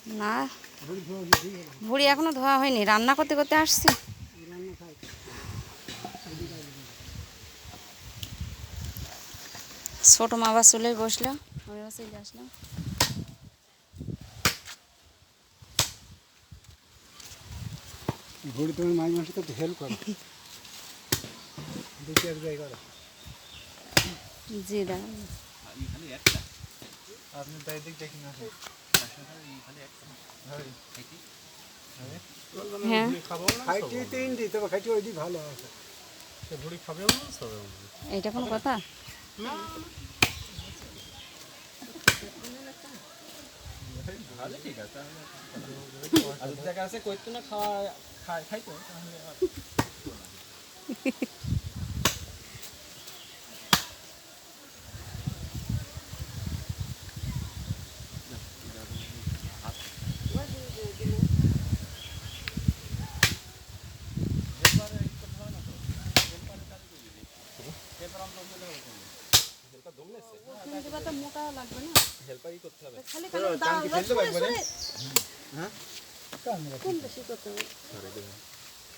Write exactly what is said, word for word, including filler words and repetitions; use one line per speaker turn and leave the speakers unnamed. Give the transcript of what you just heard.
না, ভুড়ি এখনো ধোয়া হয়নি, রান্না করতে করতে আসছি। ছোট মা আবার চলে বসলো, আমি আবার চলে আসলাম।
ভুড়ি তোমার মাঝে মাসে তো হেল্প করো, দেখি এক জায়গায় করো।
জি দাদা,
আপনি তাই দিক দেখি না
হ্যাঁ
খাইটি তিনটি, তবে খাইটি ওই দিক ভালো আছে।
ভুড়ি খাবে
এইটা কোনো কথা?
ঠিক আছে, দেখা আছে কইতো না খাওয়া খাই খাইতো
মোটা লাগবে না,
হেল্পারই করতে হবে।
খালি খালি দাও, কম বেশি করতে হবে।